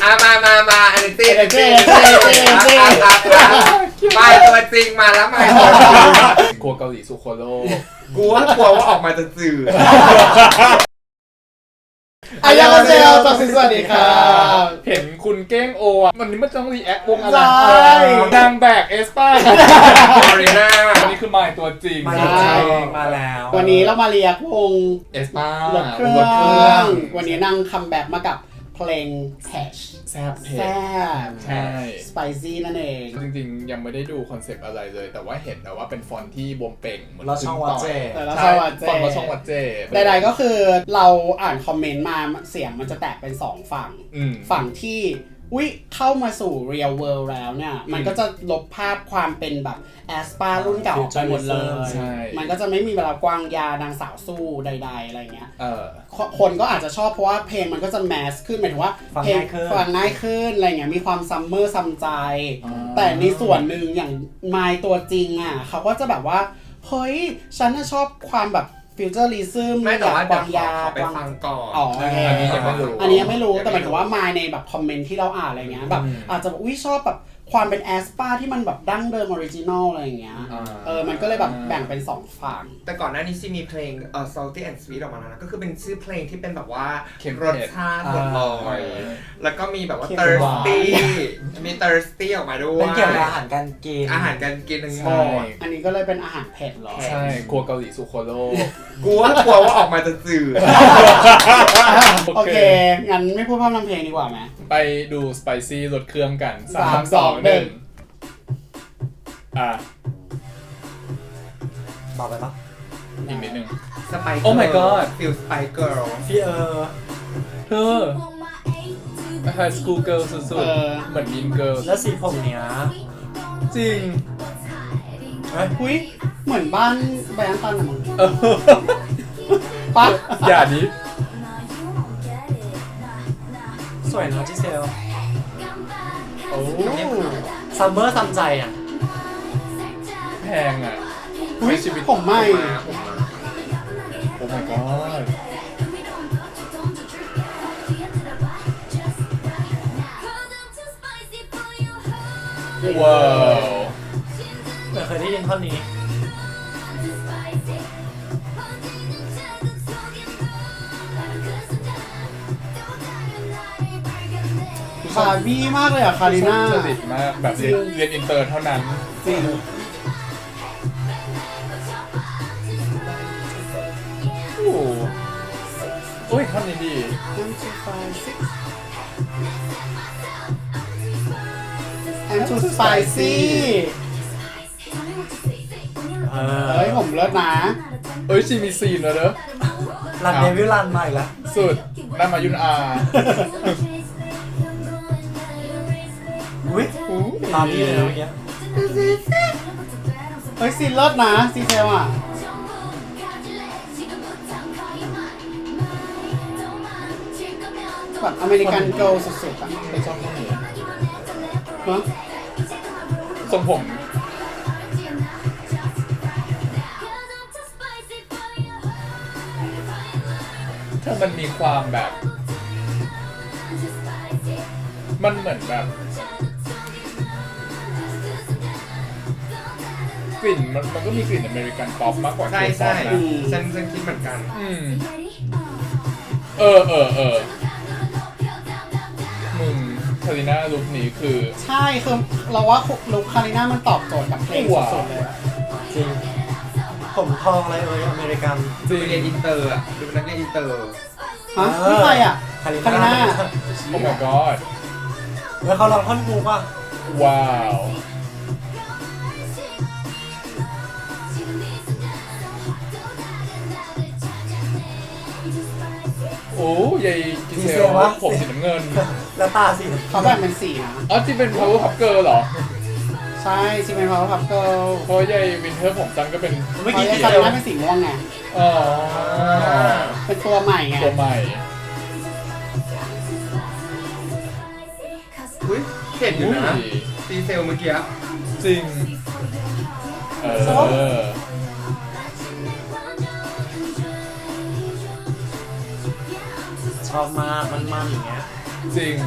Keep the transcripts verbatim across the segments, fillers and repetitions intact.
อ่ะมามามาอันนี้ตีอันนี้ตีไปตัวจริงมาแล้วมาครัวเกาหลีสุโคโร่กูว่ากลัวว่าออกมาจะจืดอายามาเซลต่อสิสวัสดีครับเห็นคุณเก้งโออ่ะวันนี้มันต้องรีแอควงอะไรนางแบกเอสป้าอารีนาอันนี้คือมายตัวจริงมาแล้ววันนี้เรามาเรียกวงเอสป้ารถเครื่องวันนี้นั่งคัมแบ็กมากับเพลงแพชแซ่บเผ็ดแซ่บใช่สไปซี่นั่นเองจริงๆยังไม่ได้ดูคอนเซปต์อะไรเลยแต่ว่าเห็นแล้วว่าเป็นฟอนต์ที่บวมเป่งเหมือนเราช่องวัดเจเราช่องวัดเจฟอนต์เราช่องวัดเจใดๆก็คือเราอ่านคอมเมนต์มาเสียงมันจะแตกเป็นสองฝั่งฝั่งที่อุ๊ยเข้ามาสู่ real world แล้วเนี่ยมันก็จะลบภาพความเป็นแบบแอสปารุ่นเก่าไปหมดเลยมันก็จะไม่มีเวลากวางยานางสาวสู้ใดๆอะไรเงี้ยคนก็อาจจะชอบเพราะว่าเพลงมันก็จะแมสขึ้นหมายถึงว่าเพลงฟังง่ายขึ้นอะไรเงี้ยมีความซัมเมอร์ซัมใจแต่ในส่วนหนึ่งอย่างมายตัวจริงอ่ะเขาก็จะแบบว่าเฮ้ยฉันน่ะชอบความแบบฟิวเจอริซึมไม่แต่ว่าบางยาไปฟังก่อนอ๋ออันนี้ยังไม่รู้อันนี้ยังไม่รู้แต่หมายถึงว่ามาในแบบคอมเมนต์ที่เราอ่านอะไรเงี้ยแบบอาจจะอุ้ยชอบแบบความเป็นแอสปาที่มันแบบดั้งเดิมออริจินอลอะไรอย่างเงี้ยเออมันก็เลยแบบแบ่งเป็นสองฝั่งแต่ก่อนหน้านี้ซีมีเพลงเอ่อ salty and sweet ออกมาแล้วนะก็คือเป็นชื่อเพลงที่เป็นแบบว่ารสชาติหมดเลยแล้วก็มีแบบว่า thirsty มี thirsty ออกมาด้วยเป็นเกี่ยวกับอาหารการกินอาหารการกินทั้งหมดอันนี้ก็เลยเป็นอาหารเผ็ดหรอใช่ครัวเกาหลีสุโคโร่กูว่ากลัวว่าออกมาจะจืดโอเคงั้นไม่พูดพร่ำทำเพลงดีกว่าไหมไปดูสไปซี่รสเครื่องกันสาม สอง หนึ่งอ่ะบอกไปปะอีกนิดนึงสไปโอ้ my god ฟิลสไปเกิร์ลพี่เออเธอไฮสคูลเกิร์ลสุดๆเหมือนมินเกิร์ลแล้วสีผมเนี้ยจริงเฮ้ยอุ้ยเหมือนบ้านแบงค์ตันอะมึงปั๊บอย่านี้สวยนะจิเซลโอ้ซัมเมอร์ซัมใจอ่ะแพงอ่ะอุ้ยผมไม่โอ้ my god ว้าวเหมือนเคยได้ยินท่อนนี้คาบี้มากเลยอ่ะคาริน่าสนิทมากแบบเรียนเรียนอินเตอร์เท่านั้นจริงโอ้โอ้ยท่อนนี้ดี I'm too spicy เออเฮ้ยผมเลิศนะเอ้ยชีมีซีนแล้วเด้อรันเดวิลลันมาอีกแล้วสุดน่ามายุนอาอุ้ยตามนี้เลยเมื่อกี้เฮ้ยซีนเลิศนะซีเซลอ่ะแบบอเมริกันเกิร์ลสุดๆอ่ะไปชอบท่อนนี้ฮะทรงผมถ้ามันมีความแบบมันเหมือนแบบกลิ่นมันมันก็มีกลิ่นอเมริกันป๊อปมากกว่าใช่ใช่ฉันฉันคิดเหมือนกันอืมเออเออเออมึงคาริน่าลุคนี้คือใช่คือเราว่าลุคคาริน่ามันตอบโจทย์กับเพลงสุดๆเลยจริงผมทองอะไรเอ่ยอเมริกันจริงเรียนอินเตอร์อ่ะดูนักเรียนอินเตอร์ฮะนี่ใครอ่ะคาริน่าโอ้ my god แล้วเขาลองท่อนกูป่ะว้าวโอ้ยายกิเซลผมสีน้ำเงินแล้วตาสีเขาแบ่งเป็นสีนะอ๋อที่เป็น power pop girl เหรอใช่ที่เป็น power pop girl เพราะยายวินเทอร์ผมจันก็เป็นเมื่อกี้คาริน่าเป็นสีม่วงไงอ๋อเป็นตัวใหม่ไงตัวใหม่อุ้ยเห็นอยู่นะซีเซลเมื่อกี้จริงเออชอบมากมันๆอย่างเงี้ยจริง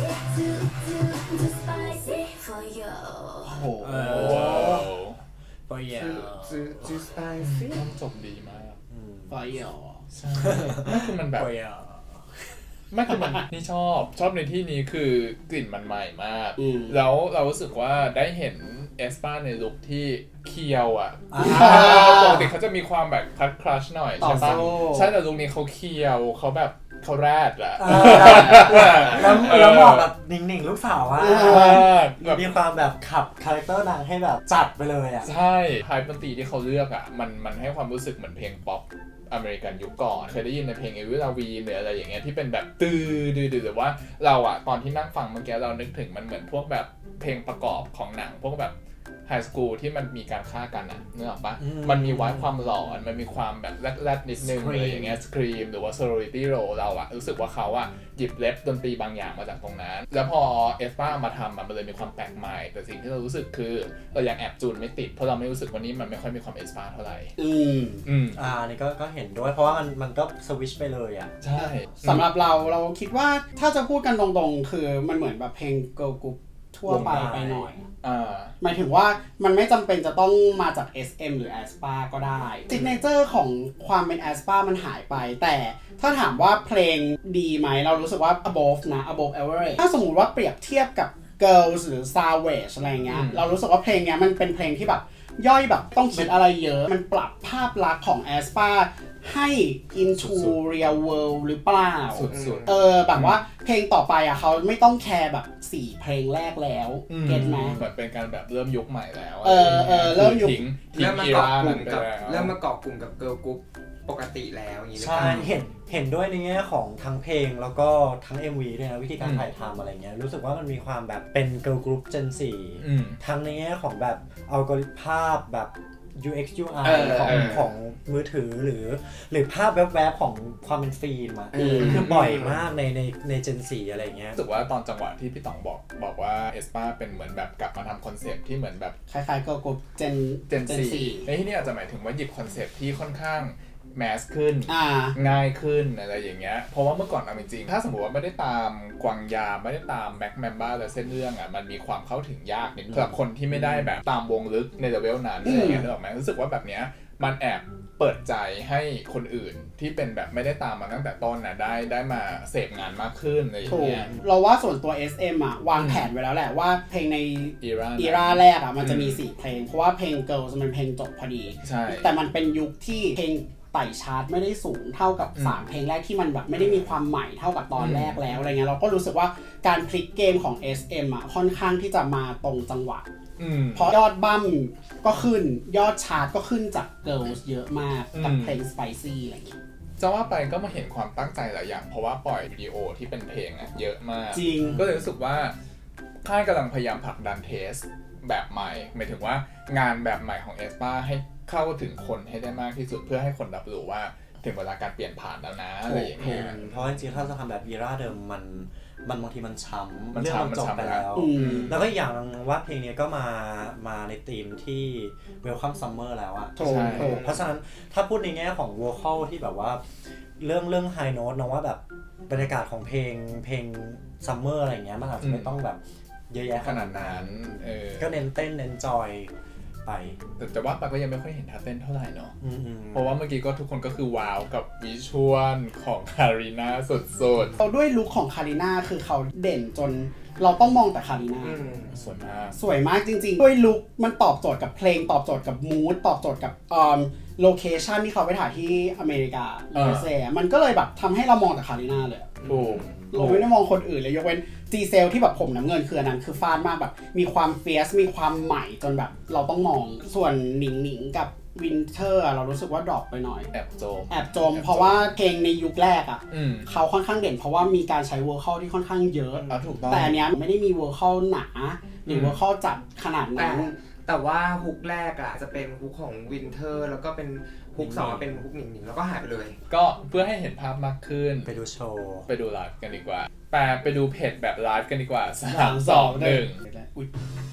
โอ้โหเอว้าวปอยอ่ะจูจูสไปซี่ต้องจบดีมากไฟเหรอใช่ไม่คือมันแบบปอยอ่ะไม่คือมันนี่ชอบชอบในที่นี้คือกลิ่นมันใหม่มากอืมแล้วเรารู้สึกว่าได้เห็นเอสปาในลุคที่เคียวอ่ะอ่าปกติเขาจะมีความแบบคัดคลัชหน่อยต่อใช่ปะสู้ใช่แต่ลุคนี้เขาเคียวเขาแบบเขาแรดอะเออแล้วแล้วเหมาะแบบหนิ่งๆลูกสาวอ่ะแบบมีความแบบขับคาแรคเตอร์นางให้แบบจัดไปเลยอ่ะใช่ไฮดนตรีที่เขาเลือกอ่ะมันมันให้ความรู้สึกเหมือนเพลงป๊อปอเมริกันยุคก่อนเคยได้ยินในเพลงเอวิลาวีหรืออะไรอย่างเงี้ยที่เป็นแบบตื้อดื้อหรือว่าเราอ่ะตอนที่นั่งฟังเมื่อกี้เรานึกถึงมันเหมือนพวกแบบเพลงประกอบของหนังพวกแบบไฮสคูลที่มันมีการฆ่ากันอ่ะนึกออกปะอืมมันมีไว้ความหลอนมันมีความแบบแรดๆนิดนึง Scream อะไรอย่างเงี้ยสครีมหรือว่า sorority row เราอ่ะรู้สึกว่าเขาอ่ะหยิบเล็บดนตรีบางอย่างมาจากตรงนั้นแล้วพอเอสปามาทำมันเลยมีความแปลกใหม่แต่สิ่งที่เรารู้สึกคือเรายังแอบจูนไม่ติดเพราะเราไม่รู้สึกว่านี้มันไม่ค่อยมีความเอสปาเท่าไหร่อืมอืมอ่านี่ก็ก็เห็นด้วยเพราะว่ามันมันก็สวิชไปเลยอ่ะใช่สำหรับเราเราคิดว่าถ้าจะพูดกันตรงๆ คือมันเหมือนแบบเพลงเกิร์ลกรุ๊ปทั่วไปไปหน่อยอ่าหมายถึงว่ามันไม่จำเป็นจะต้องมาจาก เอส เอ็ม หรือ แอสปา ก็ได้ซิกเนเจอร์ของความเป็น แอสปา มันหายไป แต่ถ้าถามว่าเพลงดีไหมเรารู้สึกว่า above นะ above average ถ้าสมมุติว่าเปรียบเทียบกับ girls หรือ savage อะไรเงี้ยอืมเรารู้สึกว่าเพลงเนี้ยมันเป็นเพลงที่แบบย่อยแบบต้องคิดอะไรเยอะ มันปรับภาพลักษณ์ของ แอสปา ให้ into real world หรือเปล่าสุดๆเออแบบว่าเพลงต่อไปอ่ะเขาไม่ต้องแคร์แบบสี่เพลงแรกแล้วอืมเก็ตไหมเหมือนเป็นการแบบเริ่มยุคใหม่แล้วเออเออเริ่มยุคทิ้งทิ้เริ่งมมาอีเกาะรากลุ่นั้มนไปกับแล้วเริ่มมาเกาะกลุ่มกับเกิร์ลกรุ๊ปปกติแล้วอย่างนี้หรือเปใช่ล่าเห็นเห็นด้วยในแง่ของทั้งเพลงแล้วก็ทั้ง เอ็ม วี ด้วยนะวิธีการอืมถ่ายทำอะไรเงี้ยรู้สึกว่ามันมีความแบบเป็นเกิร์ลกรุ๊ป Gen สี่อืมทั้งในแง่ของแบบอัลกอริทึมภาพแบบ ยู เอ็กซ์ ยู ไอเออของเออของมือถือหรือหรือภาพแวบๆของความเป็นฟิล์มอะเออคือบ่อยมากในในใน Gen สี่อะไรเงี้ยรู้สึกว่าตอนจังหวะที่พี่ต๋องบอกบอกว่าเอสปาเป็นเหมือนแบบกลับมาทำคอนเซปต์ที่เหมือนแบบคล้ายๆเกิร์ลกรุ๊ปเจนเจนสี่ในที่นี่อาจจะหมายถึงว่าหยิบคอนเซปต์ที่ค่อนข้างแมสขึ้นอ่าง่ายขึ้นอะไรอย่างเงี้ยเพราะว่าเมื่อก่อนเอาจริงๆถ้าสมมติว่าไม่ได้ตามกวางยาไม่ได้ตามแบ็คแมมบ้าและเส้นเรื่องอ่ะมันมีความเข้าถึงยากนิดสำหรับคนที่ไม่ได้แบบตามวงลึกในเลเวลนั้นอะไรอย่างเงี้ยนึกออกไหมรู้สึกว่าแบบเนี้ยมันแอบเปิดใจให้คนอื่นที่เป็นแบบไม่ได้ตามมาตั้งแต่ต้นนะได้ได้มาเสพงานมากขึ้นอะไรอย่างถูกเงี้ยเราว่าส่วนตัว เอส เอ็ม อ่ะ วางแผนไว้แล้วแหละว่าเพลงในอีราอีราแรกอ่ะ มันจะมีสี่เพลง เพราะว่าเพลง Girls มันเพลงจบพอดีใช่แต่มันเป็นยุคที่เพลงไต่ชาร์ตไม่ได้สูงเท่ากับอืมสามเพลงแรกที่มันแบบไม่ได้มีความใหม่เท่ากับตอนแรกแล้วอะไรเงี้ยเราก็รู้สึกว่าการพลิกเกมของ เอส เอ็ม อ่ะค่อนข้างที่จะมาตรงจังหวะอืมเพราะยอดบั้มก็ขึ้นยอดชาร์ตก็ขึ้นจาก Girls เยอะมากกับอืมเพลง Spicy อะไรเงี้ยจะว่าไปก็มาเห็นความตั้งใจหลายอย่าง เพราะว่าปล่อยวิดีโอที่เป็นเพลงอะเยอะมากจริงก็เลยรู้สึกว่าค่ายกำลังพยายามผลักดันเทสแบบใหม่หมายถึงว่างานแบบใหม่ของเอสปาให้เข้าถึงคนให้ได้มากที่สุดเพื่อให้คนรับรู้ว่าถึงเวลาการเปลี่ยนผ่านแล้วนะอะไรอย่างเงี้ยเพราะจริงๆถ้าจะทำแบบอีราเดิมมันมันบางทีมันช้ำมันเรื่องช้ำมันจบมันช้ำไปแล้วอืมแล้วก็อีกอย่างหนึงว่าเพลงนี้ก็มามาในธีมที่ Welcome Summer แล้วอะถูกใช่ถูกเพราะฉะนั้นถ้าพูดในแง่ของ vocal ที่แบบว่าเรื่องเรื่อง high note นะว่าแบบบรรยากาศของเพลงเพลง summer อะไรเงี้ยมันอาจจะไม่ต้องแบบเยอะแยะขนาดนั้นเออก็เน้นเต้นเน้นจอยไปแต่แต่ว่าปาก็ยังไม่ค่อยเห็นท่าเต้นเท่าไหร่เนาะอืมเพราะว่าเมื่อกี้ก็ทุกคนก็คือว้าวกับวิชวลของคารีนาสุดเราด้วยลุคของคาริน่าคือเขาเด่นจนเราต้องมองแต่คาริน่าอืมๆสวยมากสวยมากจริงๆ ด้วยลุคมันตอบโจทย์กับเพลงตอบโจทย์กับมูดตอบโจทย์กับอ่าโลเคชันที่เขาไปถ่ายที่อเมริกาเอยูอเอสเอมันก็เลยแบบทำให้เรามองแต่คาริน่าเลยถูกเราไม่ได้มองคนอื่นเลยยกเว้นจีเซลที่แบบผมน้ำเงินคืออันนั้นคือฟาดมากแบบมีความเฟียสมีความใหม่จนแบบเราต้องมองส่วนหนิงหนิงกับวินเทอร์เรารู้สึกว่าดรอปไปหน่อยแอบโจมแอบจม เพราะว่าเพลงในยุคแรกอ่ะอืมเขาค่อนข้างเด่นเพราะว่ามีการใช้เวอร์คัลที่ค่อนข้างเยอะอ่ะถูกต้องแต่อันเนี้ยไม่ได้มีเวอร์คัลหนาหรือเวอร์คัลจัดขนาดแต่นั้นแต่ว่าฮุกแรกอ่ะจะเป็นฮุกของวินเทอร์แล้วก็เป็นฮุกสองเป็นฮุกหนิงหนิงแล้วก็หายไปเลยก็เพื่อให้เห็นภาพมากขึ้นไปดูโชว์ไปดูไลฟ์กันดีกว่าแปลไปดูเพจแบบไลฟ์กันดีกว่าสามสองหนึ่งอุ๊ย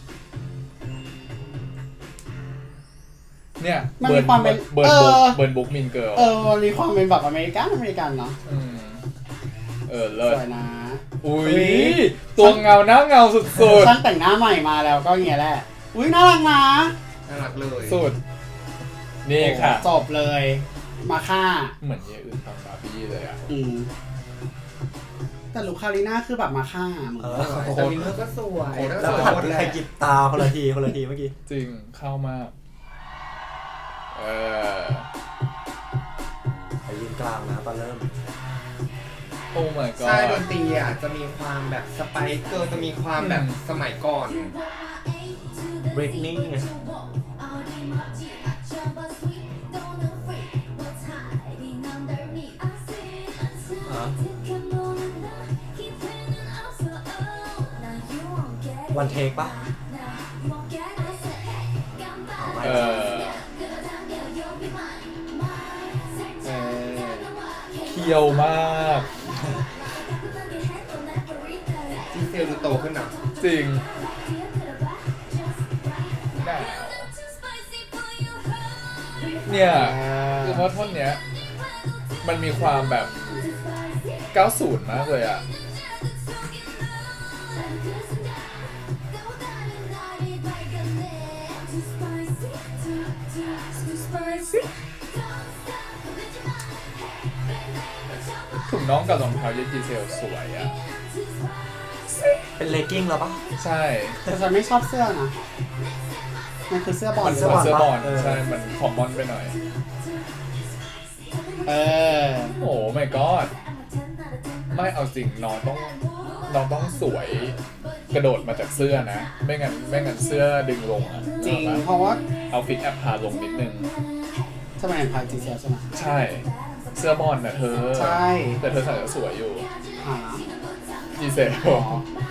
เนี่ยมันมีความเป็นเบิร์นเอบุ๊กอเบิร์นบุ๊กมินเกิร์ลเออมันมีความเป็นแบบอเมริกันอเมริกันเนาะเออเลิสศวยนะอุ้ยตัวเงาหน้าเงาสุดช่างแต่งหน้าใหม่มาแล้วก็อย่างเงี้ยแหละอุ้ยน่ารักนะน่ารักเลยๆสุดนี่ค่ะจบเลยมาฆ่าเหมือนเยอื่นตอนบาร์บี้เลยอ่ะอืมแต่ลูกคาริน่าคือแบบมาฆ่ามึงเออแต่วินเทอร์ก็สวยแล้แล้ว วหันหมดไปแหใครละหยิบตาคนละทีคนละทีเมื่อกี้จริงเข้ามากเออไปยืนกลางนะตอนเริ่มโอ้ my god ใช่ดนตรีอ่ะจะมีความแบบสไปเกอร์จะมีความแบบสมัยก่อน Britney ไง วันเทคปะเออเออเคียวมากจีเซลดูโตขึ้นนะจริงเนี่ยคือเพราะท่อนเนี้ยมันมีความแบบ เก้าสิบ มากเลยอ่ะ ถุงน้องกับรองเท้าเย็นจีเซลสวยอ่ะเป็นเลกกิ้งแล้วปะใช่แต่ฉันไม่ชอบเสื้อนะมันคือเสื้อบอลมันเสื้เสื้ออบออลลเออใช่ มันคอมมอนไปหน่อยเออโอ้ my god ไม่เอาจริงน้องต้องน้องต้องสวยกระโดดมาจากเสื้อนะ ไม่งั้นไม่งั้นเสื้อดึงลงอ่ะจริงเอาเพปะราะว่าเอาฟิตแอปพาลงนิดนึงทำไมเป็นพายจีเซลใช่ไหมใช่ เสื้อบอลน่ะเธอใช่แต่เธอใส่แล้วสวยอยู่หาจีเซลอ๋อ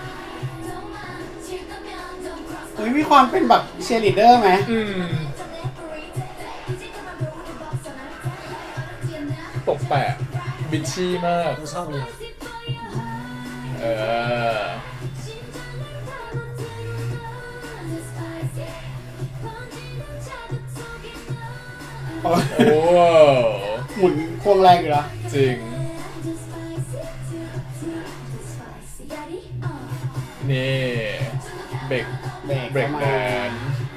เฮ้ยมีความเป็นแบบเชียร์ลีดเดอร์ไหมอืมตกแปะบิชชี่มากไม่ชอบมีเออโอ้ยโอ้หมุนควงแรงอยู่แล้วจริง นี่เบรกเบรกเบรกเข้ามาแดน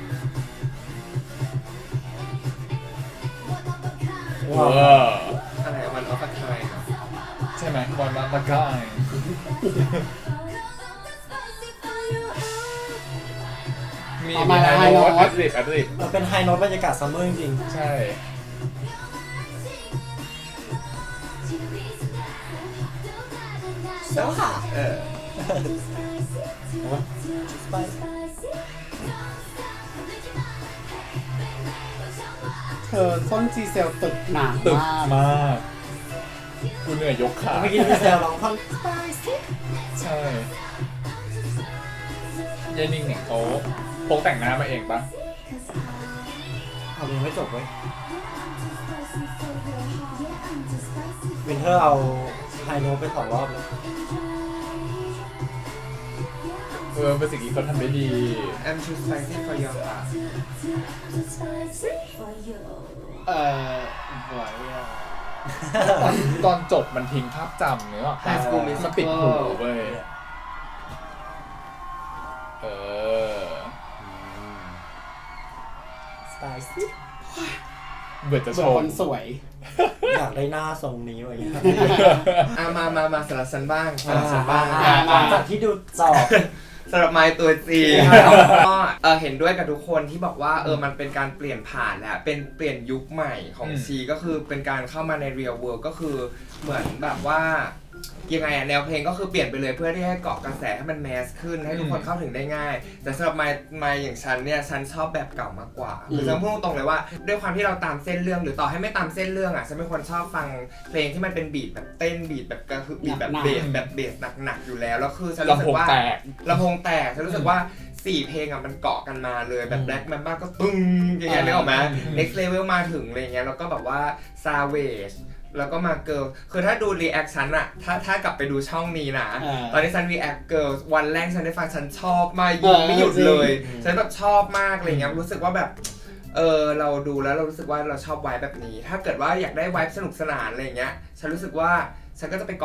ว้าว้าวอะไรวันออฟไทม์ใช่ไหมบอลมาตะกายมีเอามีมาไฮไฮโน้โน้ตตอัดริดอัดริดมันเป็นไฮโน้ตบรรยากาศซัมเมอร์จริงใช่เสื้อค่ะเออเธอส้นจีเซลตึกหนาตึกมากมากกูเหนื่อยยกขาเมื่อกี้มีเซลร้องท่อนใช่ยายนิ่งเนี่ยเขาพกแต่งหน้ามาเองปะเอายังไม่จบเว้ยวินเทอร์เอาไฮโน้ตไปสองรอบแล้วเออเป็นสิ่งที่เขาทำได้ดี I'm too spicy for your heart เออสวยอ่ะตอนตอนจบมันทิ้งภาพจำเนื้อ High School Musical มันติดหูเว้ยเออสไตล์ซี่เบื่อจะเบื่ชอมคนสวยอยากได้หน้าทรงนี้ไว้อย่างเงี้ยอ่ะมามามาสำหรับฉันบ้างสำหรับฉันบ้างอ่าหลังจากที่ดูจอบสำหรับไมค์ตัวจริงก็เออเห็นด้วยกับทุกคนที่บอกว่าเออมันเป็นการเปลี่ยนผ่านแล้วเป็นเปลี่ยนยุคใหม่ของอืมชีก็คือเป็นการเข้ามาใน real world ก็คือเหมือนแบบว่ายังไงอะแนวเพลงก็คือเปลี่ยนไปเลยเพื่อที่ให้เกาะกระแสให้มันแมสขึ้นให้ทุกคนเข้าถึงได้ง่าย แต่สำหรับไมค์ไมค์อย่างฉันเนี่ยฉันชอบแบบเก่ามากกว่าคือฉันพูดตรงๆเลยว่าด้วยความที่เราตามเส้นเรื่องหรือต่อให้ไม่ตามเส้นเรื่องอะฉันเป็นคนชอบฟังเพลงที่มันเป็นบีทแบบเต้นบีทแบบกระหึ่มบีทแบบเบสแบบเบสหนักๆอยู่แล้วแล้วคือฉันรู้ลำสึโพกงว่าแตกลำโพงแตกฉันรู้สึกว่าสี่เพลงอ่ะมันเกาะกันมาเลยแบบ Black Mamba ก็ปึ้งอย่างเงี้ยนึกออกไหม Next Level มาถึงอะไรเงี้ยแล้วก็แบบว่า Savage แล้วก็มา Girl คือถ้าดู reaction อะถ้าถ้ากลับไปดูช่องนี้นะอ่าตอนที่ฉัน react Girl วันแรกฉันได้ฟังฉันชอบมากยิงไม่หยุดเลย ฉันแบบชอบมากอะไรเงี้ยรู้สึกว่าแบบเออเราดูแล้วเรารู้สึกว่าเราชอบไวแบบนี้ ถ้าเกิดว่าอยากได้ไวสนุกสนานอะไรเงี้ยฉันรู้สึกว่าฉันก็จะไปเกาะ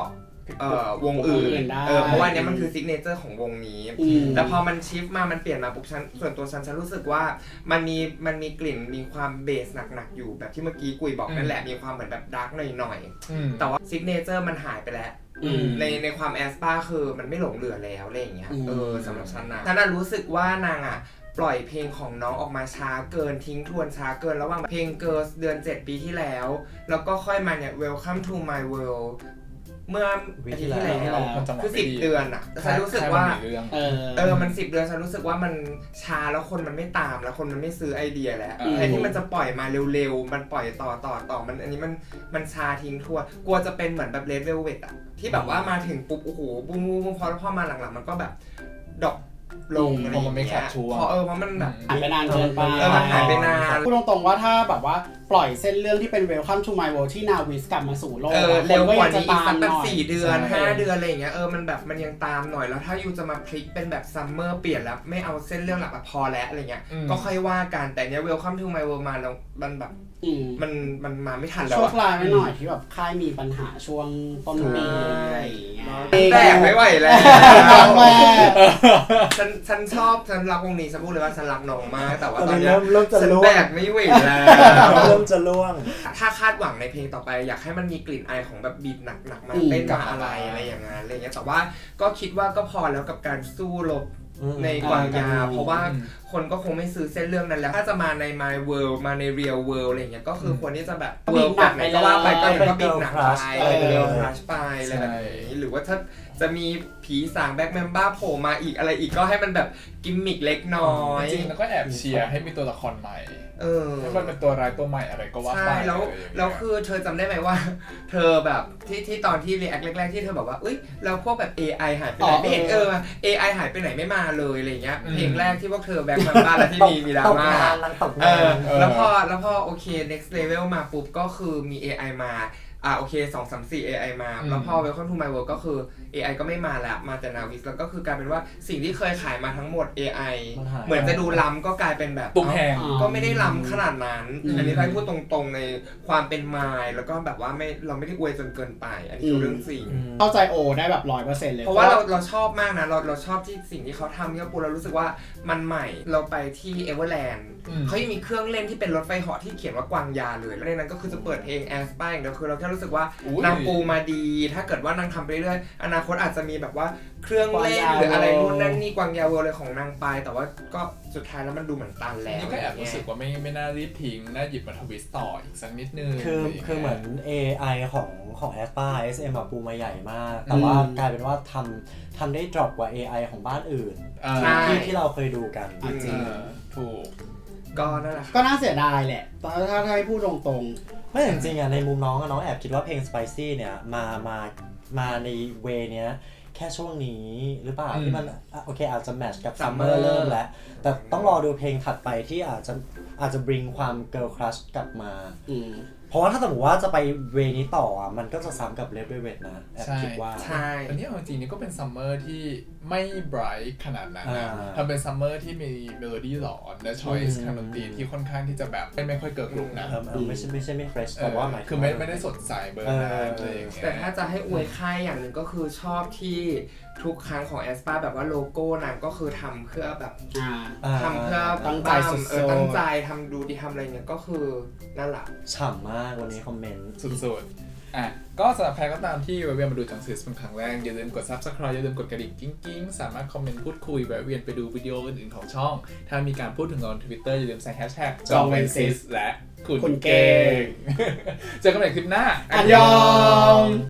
เอ่อวงอื่วงอื่นนได้เออเพราะว่าอันเนี้ยมันคือซิกเนเจอร์ของวงนี้อืมแต่พอมันชิฟมามันเปลี่ยนมาปุ๊บฉันส่วนตัวฉันฉันรู้สึกว่ามันมีมันมีกลิ่นมีความเบสหนักๆอยู่แบบที่เมื่อกี้กุยบอกนั่นแหละมีความเหมือนแบบดาร์กหน่อยๆแต่ว่าซิกเนเจอร์มันหายไปแล้วอืมในในความแอสปาคือมันไม่หลงเหลือแล้วอะไรอย่างเงี้ยอืมเออสำหรับฉันนะฉันน่ะรู้สึกว่านางอ่ะปล่อยเพลงของน้องออกมาช้าเกินทิ้งทวนช้าเกินระหว่างเพลง Girls เดือนเจ็ดปีที่แล้ว แล้วก็ค่อยมาเนี่ย Welcome to my world เมื่ออาทิตย์ที่แล้วมันจังหวะคือไม่สิบดีเดือนอ่ะแต่ฉันรู้สึกว่าแค่มันมีเรื่องเออเออ มันสิบเดือนฉันรู้สึกว่ามันช้าแล้วคนมันไม่ตามแล้วคนมันไม่ซื้อไอเดียแล้วอืมแทนที่มันจะปล่อยมาเร็วๆ มันปล่อยต่อต่อต่อมันอันนี้มันมันช้าทิ้งทั่วกลัวจะเป็นเหมือนแบบเลดเวลเวตอะที่แบบว่ามาถึงปุ๊บโอ้โหบูมบูมพอพอมาหลังๆมันก็แบบดรอปลงอะไรอย่างเงี้ยพอเออเพราะมันแบบหายไปนานเกินไปเออมันหายไปนานพูดตรงๆว่าถ้าแบบว่าปล่อยเส้นเรื่องที่เป็น Welcome to my world ที่นาวิสกลับมาสู่โลกเออเร็วกว่านี้อีกสักหแบน่บอยสี่เดือนใช่ห้าเดือนอะไรอย่างเงี้ยเออมันแบบมันยังตามหน่อยแล้วถ้ายูจะมาพลิกเป็นแบบซัมเมอร์เปลี่ยนแล้วไม่เอาเส้นเรื่องหลักอะพอแล้วอะไรเงี้ยอืมก็ค่อยว่ากันแต่เนี้ย Welcome to my world มาแล้วมันแบบอืมมันมันมาไม่ทันแล้วช่วงอะปลายไม่หน่อยที่แบบค่ายมีปัญหาช่วงต้นปีอะไรอย่างเงี้ยแตกไม่ไหวแล้วครั้งแรกฉันฉันชอบฉันรักวงนี้ฉันพูดเลยว่าฉันรักน้องมากแต่ว่าตอนตอนนี้เนี้ยเริ่มเริ่มจะฉันล่วแบงกไม่ไหวแล้วเริ่มจะล่วงถ้าคาดหวังในเพลงต่อไปอยากให้มันมีกลิ่นอายของแบบบีทหนักๆมาอืมเต้นมาอะไรอะไรอย่างนั้นอะไรเงี้ยแต่ว่าก็คิดว่าก็พอแล้วกับการสู้รบอืมในกวางยาอืมเพราะว่าคนก็คงไม่ซื้อเส้นเรื่องนั้นแล้วถ้าจะมาใน My World มาใน Real World อะไรเงี้ยก็คือควรที่จะแบบ World แบบไหนก็ว่าไปก็ก็บิดหนักไปเออเป็น Girl Crush ไปอะไรแบบนี้หรือว่าถ้าจะมีผีสางแบ็คแมมบ้าโผล่มาอีกอะไรอีกก็ให้มันแบบกิมมิกเล็กน้อยจริงๆแล้วก็แอบเชียร์ให้มีตัวละครใหม่เออให้มันเป็นตัวร้ายตัวใหม่อะไรก็ว่าไปใช่แล้วอะไรอย่างเงี้ยแล้วคือเธอจำได้ไหมว่า เธอแบบที่ที่ตอนที่รีแอคแรกๆที่เธอบอกว่าเอ้ยแล้วพวกแบบ เอ ไอ หายไปไหนอ๋อไม่เห็นเอเอออ เอ ไอ หายไปไหนไม่มาเลยอะไรเงี้ยอืมเพลงแรกที่พวกเธอแบ็คมาบ้านแล้วที่มีมีดราตกม่างานนางตกเองาอน แล้วพอแล้วพอโอเค next level มาปุ๊บก็คือมี เอ ไอ มาอ่าโอเคสอง สาม สี่ เอ ไอ มาอืมแล้วพอ Welcome to my world ก็คือ เอ ไอ ก็ไม่มาแล้วมาแต่นาวิสแล้วก็คือกลายเป็นว่าสิ่งที่เคยขายมาทั้งหมด เอ ไอมันหายเหมือนจะดูล้ำก็กลายเป็นแบบตุ้มแพงอ๋อก็ไม่ได้ล้ำขนาดนั้นอืมอันนี้ใครพูดตรงๆในความเป็นมายแล้วก็แบบว่าไม่เราไม่ได้อวยจนเกินไป อันนี้คือเรื่องจริงอืมเข้าใจโอได้แบบร้อยเปอร์เซ็นต์เลยเพราะว่าเราเราชอบมากนะ เราเราชอบที่สิ่งที่เขาทำที่เราปูเรารู้สึกว่ามันใหม่เราไปที่เอเวอร์แลนด์อืมเขายังมีเครื่องเล่นที่เป็นรถไฟเหาะที่เขียนว่ากวางยาเลย แล้วในนั้นก็คือจะเปิดเพลงแอสปาอย่างเดียวคือเราแค่รู้สึกว่าอุ๊ยนางปูมาดี ถ้าเกิดว่านางทำไปเรื่อยๆอนาคตอาจจะมีแบบว่าเครื่องเล่นหรืออะไรนู่นนั่นนี่กวางยาเวอร์เลยของนางไป แต่ว่าก็สุดท้ายแล้วมันดูเหมือนตันแล้วนี่ก็แอบรู้สึกว่าไม่ไม่น่ารีบทิ้งน่าหยิบมาทวิสต์ต่ออีกสักนิดนึงคืออะไรย่างงี้ยคือเหมือน เอ ไอ ของของ เอส พี เอ เอส เอ็ม อะปูมาใหญ่มาก แต่ว่ากลายเป็นว่าทำทำได้ดรอปกว่า เอ ไอ ของบ้านอื่นอ่าใช่ที่ที่เราเคยดูกันอ่ะจริงเออถูกก็นั่นแหละก็น่าเสียดายแหละถ้าถ้าให้พูดตรงไม่จริงๆอ่ะในมุมน้องอะน้องแอบคิดว่าเพลง Spicy เนี่ยมามามาในเวเนี้ยแค่ช่วงนี้หรือเปล่าอืมที่มันอ่ะโอเคอาจจะแมทช์กับ Summer Summer เริ่มแล้ว แต่ต้องรอดูเพลงถัดไปที่อาจจะอาจจะ bring ความ girl crush กลับมาๆอืมเพราะว่าถ้าสมมติว่าจะไปเวนี้ต่ออ่ะมันก็จะซ้ำกับ Red Velvet นะแอบใช่คิดว่าใช่อันนี้เอาจริงๆนี่ก็เป็นซัมเมอร์ที่ไม่ไบรท์ขนาดนั้นนะอ่าทำเป็นซัมเมอร์ที่มีเมโลดี้หลอนและชอยส์อืมทางดนตรีที่ค่อนข้างที่จะแบบไม่ไม่ค่อยเกิร์ลกรุ๊ปนะเออเออไม่ใช่ไม่ใช่ไม่ fresh เอแต่อว่าหมายถึงคือไม่ว่าไม่ได้สดใสเบอร์นั้นอะไรอย่างเงี้ยแต่ถ้าจะให้อวยค่ายอย่างหนึ่งก็คือชอบที่ทุกครั้งของแอสปาแบบว่าโลโก้นางก็คือทำเพื่อแบบอ่าอ่าทำเพื่อตั้งใจสุดๆเออตั้งใจทำดูดีทำอะไรเงี้ยก็คือนั่นแหละฉ่ำมากวันนี้คอมเมนต์สุดๆ อ่ะ ก็สำหรับใครก็ตามที่แวะเวียนมาดูจังซิสเป็นครั้งแรก อย่าลืมกด Subscribe อย่าลืมกดกระดิ่งกิ้งๆ สามารถคอมเมนต์พูดคุยแวะเวียนไปดูวิดีโออื่นๆของช่อง ถ้ามีการพูดถึงเราใน Twitter อย่าลืมใส่แฮชแท็กจองเวนซิสและคุณคุณเก่เก่งง เจอกันใหม่คลิปหน้าอันยอง